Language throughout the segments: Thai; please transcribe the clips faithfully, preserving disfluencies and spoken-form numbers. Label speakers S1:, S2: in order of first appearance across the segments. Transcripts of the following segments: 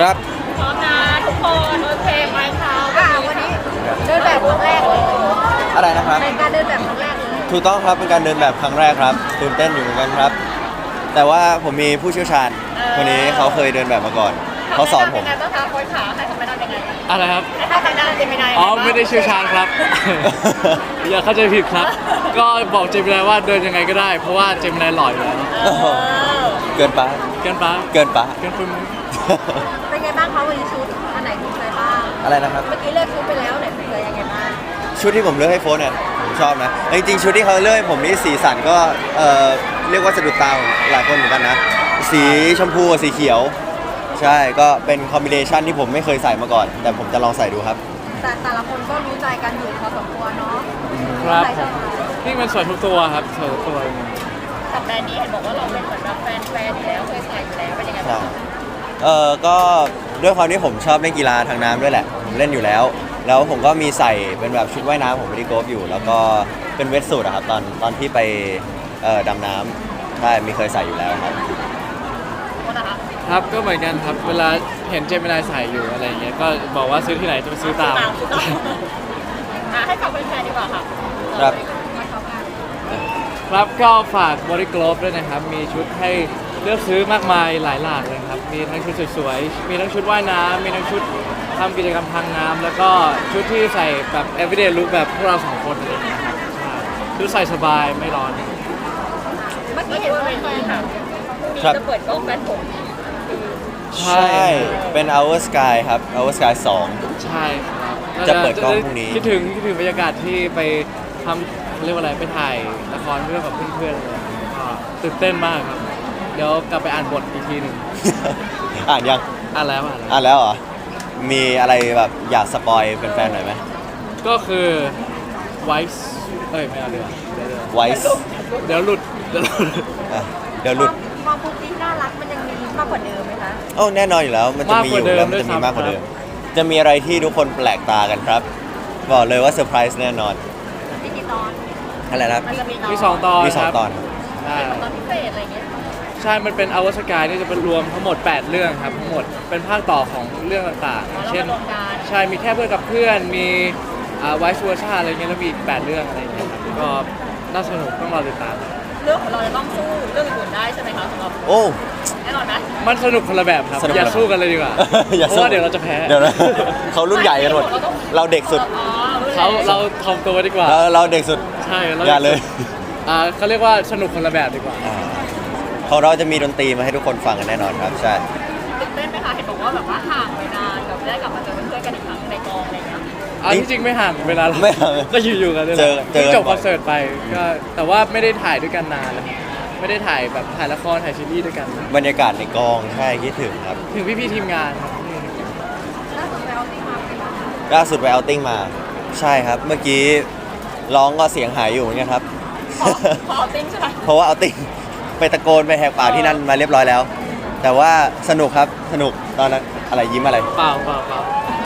S1: ครับ
S2: พร้อมนะทุกคนโอเคไหมคะอ่าวันนี้เดินแบบครั้งแรกเลย
S1: อะไรนะครับ
S2: เป็นการเดินแบบครั้งแรกเลย
S1: ถูกต้องครับเป็นการเดินแบบครั้งแรกครับตื่นเต้นอยู่เหมือนกันครับ แต่ว่าผมมีผู้เชี่ยวชาญคนนี้เขาเคยเดินแบบมาก่อนเขาสอนผม
S2: เป็นไงบ้างคะโค้ชขาให้ทำไม่ได้ยังไง
S3: อะไรครับ
S2: ให้ทำไม่ได้ยังไง
S3: อ๋อไม่ได้เชี่ยวชาญครับ อย่าเข้าใจผิดครับ ก็บอกเจมินายว่าเดินยังไงก็ได้ เพราะว่าเจมินายหล่ออยู่แล้ว
S2: เออ
S1: เกินไป
S3: เกินไป
S1: เกินไป
S3: เกินปุ้ม
S2: เป็นไงบ้างคะวันนี้ชุดอันไหนถูกใจบ้าง
S1: อะไรนะครับ
S2: เมื่อกี้เลือกชุดไปแล้วไหนถูกใจยังไงบ้าง
S1: ชุดที่ผมเลือกให้โฟนเนี่ยผมชอบนะจริงๆชุดที่เขาเลือกให้ผมนี่สีสันก็เอ่อเรียกว่าสะดุดตาของหลายคนเหมือนกันนะสีชมพูกับสีเขียว ใช่ก็เป็นคอมบิเนชันที่ผมไม่เคยใส่มาก่อน แต่ผมจะลองใส่ดูครับ
S2: แต่แต่ละคนก็รู้ใจกันอยู่พอสมควรเนาะ
S3: ครับ
S2: ใครชอบ
S3: นี่มันสวยทุกตัวครับสวยทุกตัว
S2: สัปดาห์นี้เห็นบอกว่าเราเป็นเหมือนแบบแฟนแฟนอยู่แล้วเคยใส่อยู่แล้วเป็นยังไง
S1: ใช่
S2: บ้าง
S1: เออก็ด้วยความที่ผมชอบเล่นกีฬาทางน้ำด้วยแหละผมเล่นอยู่แล้ว แล้วผมก็มีใส่เป็นแบบชุดว่ายน้ำผมไปที่โกฟอยู่ แล้วก็เป็นเวทสูทอะครับตอนตอนที่ไปเอ่อดำน้ำใช่มีเคยใส่อยู่แล้วครับ
S2: โค้ชนะคะ
S3: ครับก็เหมือนกันครับ เวลาเห็นเจมินายใส่อยู่อะไรอย่างเงี้ย ก็บอกว่าซื้อที่ไหนจะไปซื้อตาม
S2: ชุดตามอ่ะให้ฝากแฟนๆดีกว่าค่ะ
S1: ครับ
S2: มาเข้ากัน
S3: ครับก็ฝากบริกรอบด้วยนะครับ มีชุดให้เลือกซื้อมากมายหลายหลากเลยครับ มีทั้งชุดสวยๆ มีทั้งชุดว่ายน้ำมีทั้งชุดทำกิจกรรมทางน้ำแล้วก็ชุดที่ใส่แบบ everyday look แบบพวกเราสองคนอะไรอย่างเงี้ยครับใช่ชุดใส่สบายไม่ร้อน
S2: เมื่อกี้เห็นว่าแฟนค่ะมี
S1: ครับ
S2: จะเปิดกล้องแฟนผม
S3: ใช่
S1: ใช่เป็น Our Sky ครับ Our Sky สอง
S3: ใช่ครับ
S1: จะเปิดกล้องพรุ่งนี้
S3: คิดถึงคิดถึงบรรยากาศที่ไปทำเขาเรียกว่าอะไรไปถ่ายละครเรื่องกับเพื่อนๆอะไรอย่างเงี้ยก็ตื่นเต้นมากครับ เดี๋ยวกลับไปอ่านบทอีกทีหนึ่ง
S1: อ่านยัง
S3: อ่านแล้วอ่านแล้ว
S1: อ่านแล้วเหรอ มีอะไรแบบอยากสปอยเป็นแฟนๆหน่อยไหม
S3: ก็คือไวส์เอ้ยไม่เอาเดี๋ยวเดี๋ยวเดี๋ยว
S1: ไวส์
S3: เดี๋ยวหลุดเดี๋ยวหลุด
S1: อ่ะเดี๋ยวหลุด
S2: ความปุ๊กที่น่ารักมันยังมีมากกว่าเดิมไหมคะ
S1: โอ้แน่นอนอยู่แล้ว มันจะมีอยู่แล้วมันจะมีมากกว่าเดิม จะมีอะไรที่ทุกคนแปลกตากันครับ บอกเลยว่าเซอร์ไพรส์แน่นอน
S2: มีกี่ตอน
S1: อะไรนะครับ
S2: มันจะมี
S3: มีสองตอน
S1: มีสอง
S3: ครับ
S1: ตอน
S3: ใช่
S2: ตอนพิเศษอะไรอย่างเงี้ย
S3: ใช่ มันเป็นอวสกายนี่จะเป็นรวมทั้งหมด แปด เรื่องครับ ทั้งหมดเป็นภาคต่อของเรื่องต่างๆ เช่น
S2: รวมกัน
S3: ใช่ มีแค่เพื่อนกับเพื่อน มีไวซ์เวอร์ชาอะไรเงี้ย แล้วมีอีกแปดเรื่องอะไรเงี้ยครับก็น่าสนุกต้องรอติดตาม
S2: เรื่องของเราจะต้องสู้เรื่องอื่นๆได้ใช่ไหมคะสำหรับ
S1: โอ้
S2: แน่นอนนะ
S3: มันสนุกคนละแบบครับ
S1: สนุก
S3: อย่าสู้กันเลยดีกว่า
S1: อย่า
S3: เพ
S1: สู้
S3: ราะว่าเดี๋ยวเราจะแพ้
S1: เดี๋ยวนะ เขารุ่นใหญ่กันหมด เราเด็กสุด
S2: อ๋อ
S3: เขาเราทำตัวดีกว่า
S1: เราเราเด็กสุด
S3: ใช่เรา
S1: อย่าเลย
S3: อ่าเขาเรียกว่าสนุกคนละแบบดีกว่า
S1: อ่าของเราจะมีดนตรีมาให้ทุกคนฟังกันแน่นอนครับ ใช่
S2: ตื่นเต้นไหมคะเห็นบอกว่าแบบว่าห่างไปนานแบบได้กลับมาเจอเพื่อนๆกันอีกครั้งในกองอะไรอย่างเงี้ย
S3: อันที่จริงไม่ห่างเวลาเรา
S1: ไม่ห่าง
S3: ก็อยู่ๆกันเลย
S1: เจอเจอกัน
S3: จบ
S1: บ่
S3: ค
S1: อย
S3: อนเสิร์ตไปก็แต่ว่าไม่ได้ถ่ายด้วยกันนานแล้วไม่ได้ถ่ายแบบถ่ายละครถ่ายซีรีส์ด้วยกัน
S1: บรรยากาศในกองใช่คิดถึงครับ
S3: ถึงพี่ๆทีมงานครับ
S2: ล่าสุดไปเอาติ้งมาเป็นไงบ้างคะ
S1: ล่าสุดไปเอาติ้งมา ใช่ครับ เมื่อกี้ร้องก็เสียงหายอยู่เหมือนกันครับ
S2: ขอขอเอาติ้งใช่ไหม
S1: เพราะว่าเอาติ้งไปตะโกนไปแหกปากที่นั่นมาเรียบร้อยแล้ว แต่ว่าสนุกครับสนุกตอนนั้นอะไรยิ้มอะไร
S3: เปล่าเปล่าเปล่า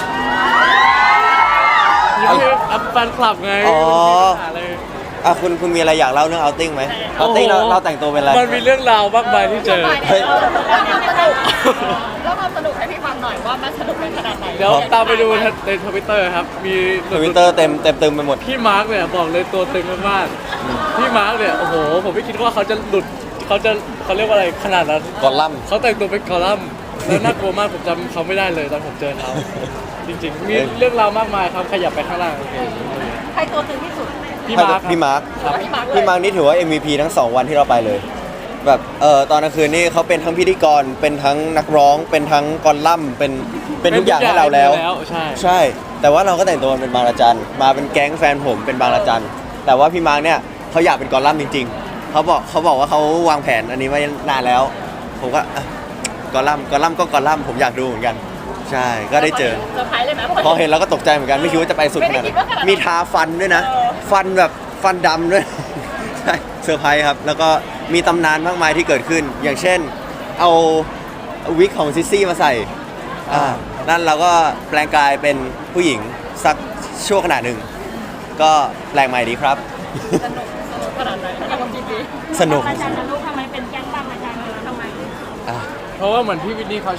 S3: ยังไม่อัพแฟนคลับไง
S1: อ๋อ
S3: ไม่มีปัญหาเลย
S1: อ่ะคุณคุณมีอะไรอยากเล่าเรื่องเอาติ้งไหมเอาติ้งเรา
S3: โอ้โห
S1: เราแต่งตัวเป็นอะไร
S3: มันมีเรื่องราวมากมายที่เจอ
S1: เฮ้ย
S2: แล้วความสนุกแล้วความสนุกให้พี่ฟังหน่อยว่ามันสนุกเป็นขนาดไหน
S3: เดี๋ยวตามไปดูในทวิตเตอร์ครับ มี
S1: ทวิตเตอร์เต็มเต็มตึมไปหมด
S3: พี่มาร์กเนี่ยบอกเลยตัวตึงมากๆพี่มาร์กเนี่ยโอ้โหผมไม่คิดว่าเขาจะหลุดเขาจะเขาเรียกว่าอะไรขนาดนั้น
S1: กอลัมน์
S3: เขาแต่งตัวเป็นกอลัมน์แล้วน่ากลัวมากผมจำเขาไม่ได้เลยตอนผมเจอเขาจริงๆ มีเรื่องราวมากมายครับขยับไปข้างล่างโอเค
S2: ใครตัวตึงที่สุด
S3: พี่มาร์ค
S1: พี่มาร์ค
S3: ครับ
S2: พี่มาร์คเลย
S1: พี่มาร์คนี่ถือว่า เอ็ม วี พี ทั้งสองวันที่เราไปเลย แบบเออตอนกลางคืนนี่เขาเป็นทั้งพิธีกรเป็นทั้งนักร้อง เป็นทั้งกอลัมน์เป็นเป็นทุกอย่างให้เราแล้ว
S3: ใช่
S1: ใช่ แต่ว่าเราก็แต่งตัวเป็นบางระจันมาเป็นแก๊งแฟนผมเป็นบางระจันแต่ว่าพี่มาร์คเนี่ยเขาอยากเป็นกอลัมน์จริงๆเขาบอกเขาบอกว่าเขาวางแผนอันนี้ไว้นานแล้ว ผมก็อ่ะกอลัมน์กอลัมน์ก็กอลัมน์ผมอยากดูเหมือนกัน ใช่ก็ได้เจอ
S2: เซอร์ไพรส์เลยไหม
S1: พอเห็นเราก็ตกใจเหมือนกันไม่คิดว่าจะไปสุดขนาด
S2: ไม่ได้คิ
S1: นั้
S2: ดว่าขนาดนั้น
S1: นมีทาฟันด้วยนะ
S2: เออ
S1: ฟันแบบฟันดำด้วย ใช่เซอร์ไพรส์ครับ แล้วก็มีตำนานมากมายที่เกิดขึ้น อย่างเช่น เอาวิกของซิสซี่มาใส่อ่านั่นเราก็แปลงกายเป็นผู้หญิงสักชั่วขณะหนึ่ง ก็แปลงใหม่ดีครับ
S2: สนุกสนุกขนาดไหนถ้าเราคิดดี
S1: สนุก
S2: อาจารย์จะรู้ทำไมเป็นแก๊งบางอาจารย์เลยทำไม
S1: อ่ะ
S3: เพราะว่าเหมือนพี่วินนี่เขาชอบ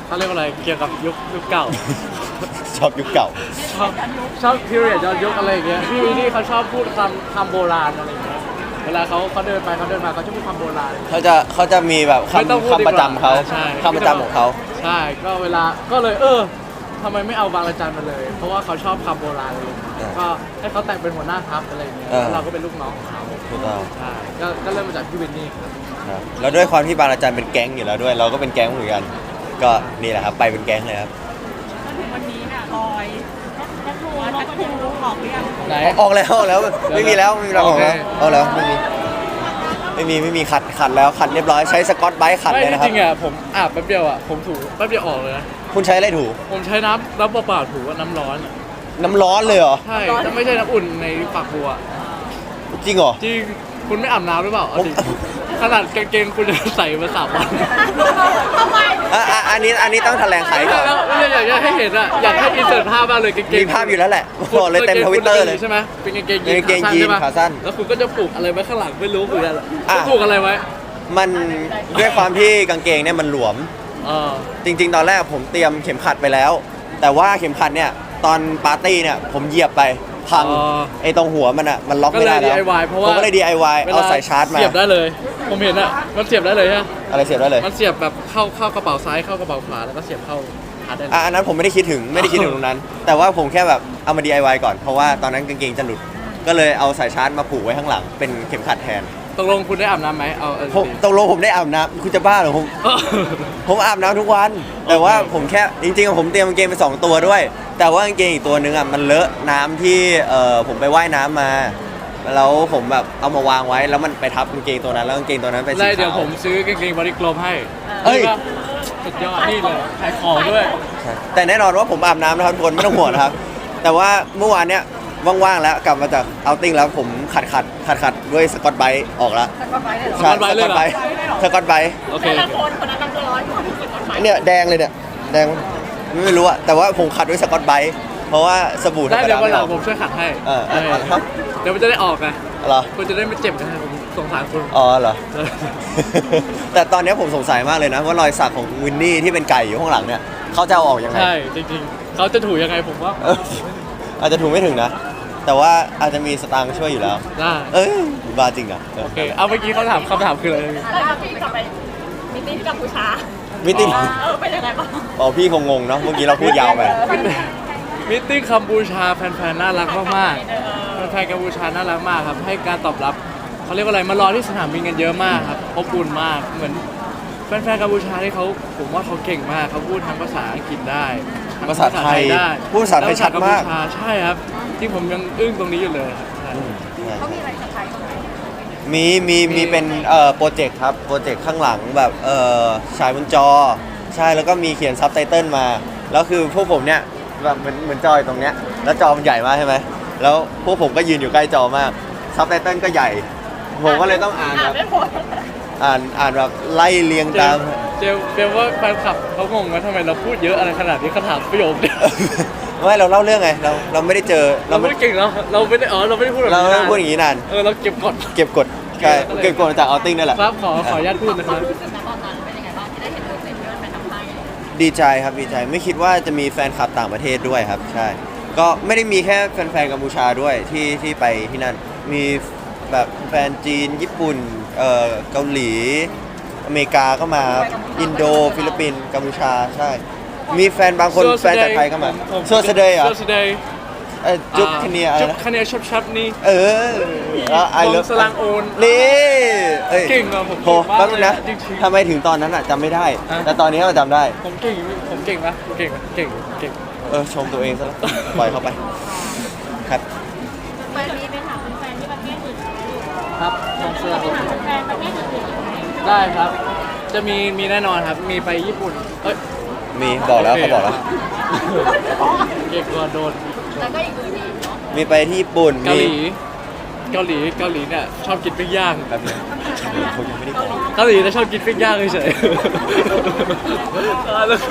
S3: เขาเรียกว่าอะไรเกี่ยวกับยุคยุคเก่า
S1: ชอบยุคเก่า
S3: ชอบชอบ period ย้อนยุคอะไรอย่างเงี้ยพี่วีนี่เขาชอบพูดคำคำโบราณอะไรอย่างเงี้ยเวลาเขาเขาเดินไปเขาเดินมาเขาจะพูดคำโบราณ
S1: เขาจะเขาจะมีแบบ
S3: ไม่ต้อง
S1: คำ
S3: พูดดีกว่า
S1: คำประจำเขา
S3: ใช่
S1: คำประจำของเขา
S3: ใช่ก็เวลาก็เลยเออทำไมไม่เอาบางระจันมาเลย เพราะว่าเขาชอบคำโบราณเลย
S1: เออ
S3: ก็ให้เขาแต่งเป็นหัวหน้าทัพอะไรอย่างเงี้ย
S1: เออ
S3: แล้วเราก็เป็นลูกน้องของเขา
S1: ถูกต้อง
S3: ใช่ก็ก็เริ่มมาจากพี่วินนี่ครับ
S1: ครับแล้วด้วยความที่บางอาจารย์เป็นแก๊งอยู่แล้วด้วย เราก็เป็นแก๊งเหมือนกัน ก็นี่แหละครับไปเป็นแก๊งเลยครับ
S2: จนถึงวันนี้น่ะลอยแท็กทูแท็กทูออกหรือยัง
S3: ไหน
S1: ออกแล้วออกแล้วไม่มีแล้วไม่มีแล้วออกแล้ว
S3: โอเค
S1: ออกแล้วไม่มีไม่มีไม่มีขัดขัดแล้วขัดเรียบร้อยใช้สกอตไบรท์ขัด
S3: ไม่
S1: เลยนะค
S3: จ
S1: รับ
S3: ริงๆอ่ะผมอาบแป๊บเดียวอ่ะผมถูแป๊บเดียวออกเลยนะ
S1: คุณใช้อะไรถู
S3: ผมใช้น้ำน้ำเปล่าๆถูว่าน้ำร้อนอะ
S1: น้ำร้อนเลยเหรอ
S3: ใช่แต่ไม่ใช่น้ำอุ่นในฝักบัว
S1: จริงเหรอ
S3: จริงคุณไม่อาบน้ำหรือเปล่าเอาดิขนาดกางเกงคุณจะใส่มาสามวัน
S2: ทำไม
S1: อ่ะอ่ะอันนี้อันนี้ต้องแถลงไขก่อน
S3: แล้วไม่ได้อยากจะให้เห็นอ่ะอยากให้อินเสิร์ตภาพมากเลยกางเกง
S1: มีภาพอยู่แล้วแหละบอกเลยเต็มทวิตเตอร์เลย
S3: ใช่ไหมเป็นกางเกงยี
S1: เป็นกางเกงยีน
S3: ใช่ปะ
S1: ขาสั้น
S3: แล้วคุณก็จะปลูกอะไรไว้ข้างหลังไม่รู้เหมือนกัน
S1: อ่ะ
S3: คุณปลูกอะไรไว้
S1: มันด้วยความที่กางเกงเนี่ยมันหลวม
S3: เออ
S1: จริง ๆ ตอนแรกผมเตรียมเข็มขัดไปแล้ว แต่ว่าเข็มขัดเนี่ยตอนปาร์ตี้เนี่ยผมเหยียบไปพังไอ้ตรงหัวมันอ่ะมันล็อก
S3: ก็
S1: ไม่
S3: เล
S1: ได้
S3: ย
S1: แล้ว
S3: ดี ไอ วาย เพราะว่า
S1: ผมก็เลย ดี ไอ วาย เอาสายชาร์จมา
S3: เสียบได้เลย ผมเห็นอ่ะมันเสียบได้เลยฮะ
S1: อะไรเสียบได้เลย
S3: มันเสียบแบบเข้าเข้ากระเป๋าซ้ายเข้ากระเป๋าขวาแล้วก็เสียบเข้าหาได้เลย
S1: อ่ะอันนั้นผมไม่ได้คิดถึงไม่ได้คิดถึงตรงนั้น แต่ว่าผมแค่แบบเอามา ดี ไอ วาย ก่อนเพราะว่าตอนนั้นกางเกงจะหลุด ก็เลยเอาสายชาร์จมาผูกไว้ข้างหลังเป็นเข็มขัดแทน
S3: ตกลงคุณได้อาบน้ำไหมเอาเอา
S1: ผม
S3: จริง
S1: ตกลงผมได้อาบน้ำคุณจะบ้าเหรอผม
S3: เออ
S1: ผมอาบน้ำทุกวัน แต่ว่าผมแค่จริงๆอะผมเตรียมกางเกงไปสองตัวด้วย แต่ว่ากางเกงอีกตัวนึงอ่ะมันเลอะน้ำที่เอ่อผมไปว่ายน้ำมา แล้วผมแบบเอามาวางไว้แล้วมันไปทับกางเกงตัวนั้นแล้วกางเกงตัวนั้นเป็นสี
S3: ได้
S1: ขาว
S3: เดี๋ยวผมซื้อกางเกงบอดี้กลมให้
S1: เอ้ย
S3: นี่ก็สุดยอดนี่เลยขายของด้วย
S1: ใช่แต่แน่นอนว่าผมอาบน้ำนะครับทุกคนไม่ต้องห่วงนะครับ แต่ว่าเมื่อวานเนี้ยว่างๆแล้วกลับมาจากเอาติ้งแล้วผมขัดขัดขัดขัดด้วยสกอตไบรท์ออกแล้ว
S2: สกอตไบรท์เลยเหรอ
S1: ใช่
S3: สกอตไบรท์เลยเหรอ
S1: สกอตไบรท์
S3: โอเค
S2: แต่
S3: โอ
S2: ละ
S3: เค
S2: คนคนนั้นตั้งร้อยคนที่สกอตไบรท์
S1: เนี่ยแดงเลยเนี่ยแดงไม่รู้อะแต่ว่าผมขัดด้วยสกอตไบรท์เพราะว่าสบู่ธร
S3: ได้
S1: รม
S3: เดี๋ย
S1: ดาว
S3: วัน
S1: ไม่
S3: หลั
S1: อง อก
S3: ผมช่วยขัดให้
S1: เออ
S3: เออ
S1: เอาครับ
S3: เดี๋ยวมันจะได้ออกไง
S1: เหรอ
S3: คุณจะได้ไม่เจ็บกันนะผมสงสารคุณ
S1: อ๋อเหรอ แต่ตอนเนี้ยผมสงสัยมากเลยนะว่ารอยสักของวินนี่ที่เป็นไก่อยู่ข้างหลังเนี่ยเขาจะเอาออกยังไง
S3: ใช่จริงๆเขาจะถูยังไงผมว่า
S1: เอออาจจะถูกไม่ถึงนะ แต่ว่าอาจจะมีสตางค์ช่วยอยู่แล้ว
S3: ได้
S1: เอ้ยบ้าจริงอ่ะเออ
S3: โอเคเอาเมื่อกี้เขาถามคำถามคืออะไร
S2: แล้วก็พี่กลับไปมีติ้งที่กัมพูชา
S1: มิติ้ง
S2: เออเป็นยังไงบ้าง
S1: อ๋อพี่คงงงเนาะเมื่อกี้เราพูดยาวไป
S3: มิทติ้งกัมพูชาแฟนๆน่ารักมาก
S2: เออ
S3: ๆแฟนๆกัมพูชาน่ารักมากครับให้การตอบรับเขาเรียกว่าอะไรมารอที่สนามบินกันเยอะมากครับอบอุ่นมากเหมือนแฟนๆกัมพูชาที่เขาผมว่าเขาเก่งมากเขาพูดทั้งภาษาอังกฤษได้ทั้ง
S1: ภาษาไทย
S3: ได้
S1: พูดภาษาไทยชัดมาก
S3: แล้วภษกัพูชใช่ครับที่ผมยังอึ้งตรงนี้อยู่เลยครับใช่
S2: เขามีอะไรจะใช้บ้างไหม
S1: มีมีมีเป็นเอ่อโปรเจกต์ครับโปรเจกต์ข้างหลังแบบเอ่อฉายบนจอ ใช่แล้วก็มีเขียนซับไตเติลมาแล้วคือพวกผมเนี่ยแบบเหมือนเหมือนจอยตรงเนี้ยแล้วจอมันใหญ่มากใช่ไหมแล้วพวกผมก็ยืนอยู่ใกล้จอมากซับไตเติลก็ใหญ่ ผมก็เลยต้องอ่านแบบ
S2: ไม่หมด
S1: อ่านอ่านแบบไล่เรียง
S3: เจ
S1: ตาม
S3: ลเจลเจลว่าแฟนคลับเขางงว่าทำไมเราพูดเยอะอะไรขนาดนี้เขาถามประโยคเดียว
S1: ไม่เราเล่าเรื่องไงเราเราไม่ได้เจอ
S3: เรา
S1: เรา
S3: ไม่
S1: ไม่
S3: ได้เก่งแล้วเราไม่ได้อ๋อเราไม่ได้พูดแบบ
S1: เรา
S3: นี้
S1: ไม่
S3: นะ
S1: ได้พูดอย่างนี้นาน
S3: เออเราเก็บกด
S1: เก็บกดใช่
S3: ก็เลย
S1: เก็บกดมาจากเอาติ้งนั่นแหละ
S3: ครับขอขออนุญาตพูดนะครับ
S2: รู้สึกนะตอนนั้นเป็นยังไงบ้างที่ได้เห็นตัวเองที่มันเป็นทำให้
S1: ดีใจครับดีใจไม่คิดว่าจะมีแฟนคลับต่างประเทศด้วยครับ ใช่ ก็ไม่ได้มีแค่แฟนๆกัมพูชาด้วยที่ที่ไปที่นั่น มีแบบแฟนจีนญี่ปุ่นเอ่อเกาหลี อเมริกาก็มาอินโดฟิลิปปินส์กัมพูชาใช่ มีแฟนบางคนแฟนจากไทยก็มาโซสเดย์เหรอ
S3: โซสเดย์
S1: เอ่อจุ๊บคเนียอะไร
S3: จุ๊บ
S1: นะ
S3: คะแนนชับชับๆนี่
S1: เออแล้วไอ
S3: ว
S1: เลิ
S3: ง
S1: ฟ
S3: สลังโอน
S1: นี่อ้ย
S3: เก่งอะผม
S1: โห
S3: เก่งมาก
S1: แป๊บนึงนะ
S3: เลยอะจริงๆ
S1: ทำไมถึงตอนนั้นอะจำไม่ได้
S3: อ่ะ
S1: แต่ตอนนี้เราจำได้
S3: ผมเก่งผมเก่งปะเก่งปะเก่งเก่ง
S1: เออชมตัวเองซะแล้ว ปล่อยเข้าไป ครับ
S2: แฟนนี้ไปถามแฟนที่ประเทศอื่น
S3: ครับวงสลังโอน
S2: แฟนประเทศอื่น
S3: ได้ครับ จะมีมีแน่นอนครับ มีไปญี่ปุ่นเอ้ย
S1: มีบอกแล้วเขาบอกแล้ว
S3: เก่งกว่าโดน
S2: แล้วก็อีกอื่นอีกเนาะ
S1: มีไปที่ญี่ปุ่น
S3: เกาหลี
S1: มี
S3: เกาหลีเกาหลีเนี่ยชอบกินปิ้งย่าง
S1: แบบนี้เขายังไม่ได้บอก
S3: เกาหลีจะชอบกินปิ้งย่างเฉยๆอ่าแล้ว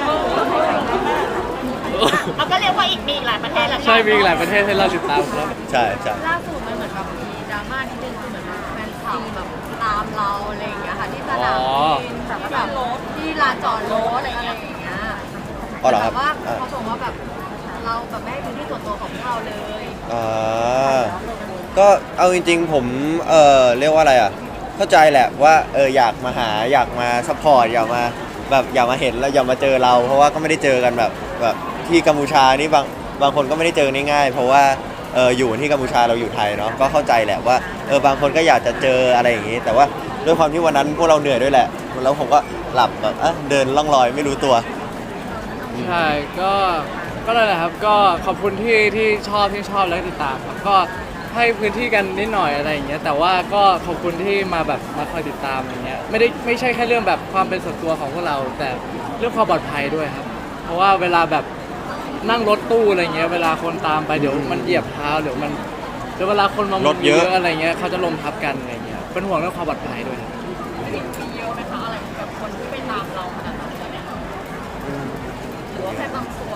S2: เอาก็เรียกว่าอีกมีอีกหลายประเทศแหละ
S3: ใช่มีอีกหลายประเทศให้เราติดตามครับ
S1: ใช่ใช่
S2: ล่าสุดมันเหมือนแบบมีดราม่านิดนึงคือเหมือนแบบแฟนคลับแบบตามเราอะไรอย่างเงี้ยค่ะที่สนามบินแบบว่าแบบที่ลานจอดรถอะไรอย่างเงี้ย
S1: อ๋อเหรอครับ
S2: แต่ว่า
S1: อ่า
S2: เขาบอกว่าแบบเราแบบไม่ให้พื้นที่ส่วนตัวของพวกเราเลย
S1: อ่าก็เอาจริงๆผมเออเรียกว่าอะไรอ่ะเข้าใจแหละว่าเอออยากมาหาอยากมาซัพพอร์ตอยากมาแบบอยากมาเห็นแล้วอยากมาเจอเรา เพราะว่าก็ไม่ได้เจอกันแบบแบบที่กัมพูชานี่บางบางคนก็ไม่ได้เจอง่ายๆเพราะว่าเอออยู่ที่กัมพูชาเราอยู่ไทยเนาะก็เข้าใจแหละว่าเออบางคนก็อยากจะเจออะไรอย่างนี้ แต่ว่าด้วยความที่วันนั้นพวกเราเหนื่อยด้วยแหละแล้วผมก็หลับแบบอ่ะเดินล่องลอยไม่รู้ตัว
S3: ใช่ก็ก็นั่นแหละครับก็ขอบคุณที่ที่ชอบที่ชอบและติดตามครับก็ให้พื้นที่กันนิดหน่อยอะไรอย่างเงี้ยแต่ว่าก็ขอบคุณที่มาแบบมาคอยติดตามอะไรเงี้ยไม่ได้ไม่ใช่แค่เรื่องแบบความเป็นส่วนตัวของพวกเรา แต่เรื่องความปลอดภัยด้วยครับ เพราะว่าเวลาแบบนั่งรถตู้อะไรเงี้ยเวลาคนตามไปเดี๋ยวมันเหยียบเท้าเดี๋ยวมันเดี๋ยวเวลาคนมาร
S1: ถเยอะ
S3: อะไรเงี้ยเขาจะล้มทับกันอะไรเงี้ยเป็นห่วงเรื่องความปลอดภัยด้วยครับ
S2: มีเยอะไหมคะอะไรแบบคนที่ไปตามเราขนาดนั้นเลยหรือว่าแค่บางส่วน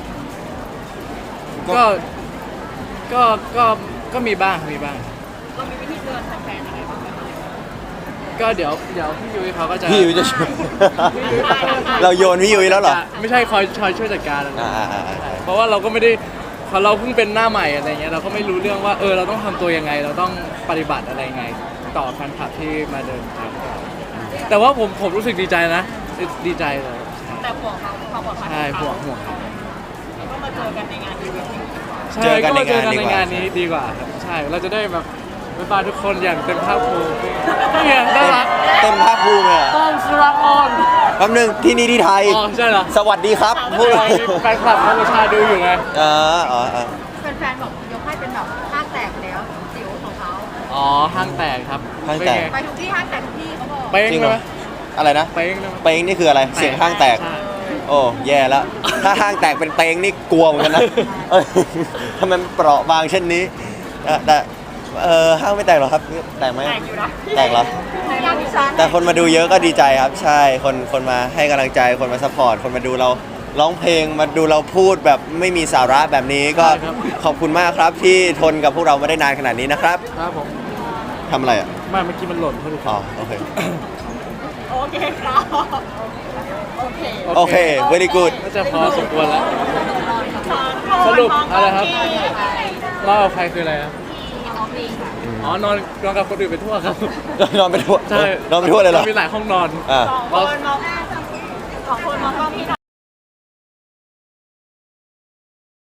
S3: ก็ก็ก็ก็มีบ้างมีบ้าง
S2: เรามีวิธีเตือนแฟนๆยังไงบ้างไหมคะ
S3: ก็เดี๋ยวเดี๋ยวพี่ยุ้ยเขาก็จะ
S1: พี่ยุ้ยจะช่วย เราโยนพี่ยุ้ยแล้วเหรอ
S3: ไม่ใช่คอยคอยช่วยจัดการอะไร
S1: อ่าอ่าอ่าอ่า
S3: เพราะว่าเราก็ไม่ได้พอเราเพิ่งเป็นหน้าใหม่อะไรเงี้ยเราก็ไม่รู้เรื่องว่าเออเราต้องทำตัวยังไง เราต้องปฏิบัติอะไรยังไง ต่อแฟนคลับที่มาเดินทางแต่ว่าผมผมรู้สึกดีใจนะดีใจเลย
S2: แต่ห่วงเขาความปลอดภัย
S3: ใช่ห่วงห่วง
S2: ก็มาเจอกันในงานอีเวนต์นี้ดีกว่า
S3: ใช่
S1: เจอกันใน
S3: ก็ม
S1: งานดีกว่า
S3: ในงานนี้ดีกว่าครับใช่เราจะได้แบบไปบายทุกคนอย่างเต็มภาคภูมินี่ไงน่ารัก
S1: เต็มภาคภูมิเลยอะ
S3: ต้อมสุรักษ์ออน
S1: แป๊บนึงที่นี่ที่ไทย
S3: อ๋อใช่เหรอ
S1: สวัสดีครับพูด
S3: มีแฟนคลับกัมพูชาดูอยู่ไง
S1: อ๋ออ๋ออ๋อ
S2: แฟนๆบอกยกให้เป็นแบบห้างแตกไปแล้วจิ๋วของเขา
S3: อ๋อห้างแตกครับ
S1: ห้างแตก
S3: เป็นไ
S2: ไปทุกที่ห้างแตกทุกที่เขาบอก
S3: เป้ง
S1: จริง
S3: เล
S1: เหร
S3: ย
S1: อ
S3: ไหม
S1: อะไรนะ
S3: เป้งเลยไหม
S1: เป้งนี่คืออะไร เสียงห้างแตก
S3: ใช่
S1: โอ้แย่แล้ว ถ้าห้างแตกเป็นเป้งนี่กลัวเหมือนกันนะ เอ้ยทำไมมันเปราะบางเช่นนี้เอ่อแต่เออห้างไม่แตกหรอครับ แตกไหม
S2: แตกอยู่นะ
S1: แตกเหรอ
S2: ในงานดิฉัน
S1: แต่คนมาดูเยอะก็ดีใจครับ ใช่ คนคนมาให้กำลังใจ คนมาซัพพอร์ต คนมาดูเราร้องเพลง มาดูเราพูดแบบไม่มีสาระแบบนี้ ก็ขอบคุณมากครับที่ทนกับพวกเรามาได้นานขนาดนี้นะครับ
S3: ครับผม
S1: ทำอะไรอ่ะ
S3: ไม่เมื่อกี้มันหล่นเท่าไหร่
S1: อ๋อ โอเค
S2: โอเคครับโอเค
S1: โอเค very good
S3: น่าจะพอสมควรแล้ว สรุปอะไรครับ เล่ากับใครคืออะไรครับอ๋อนอนนอนกับคนอื่นไปทั่วครับ
S1: นอนไปทั่ว
S3: ใช่
S1: นอนไปทั่วเลยเหรอ
S3: มีหลายห้องนอน
S1: อ่า
S2: สองคนมองสองคนมองกล้องพี่หน่อย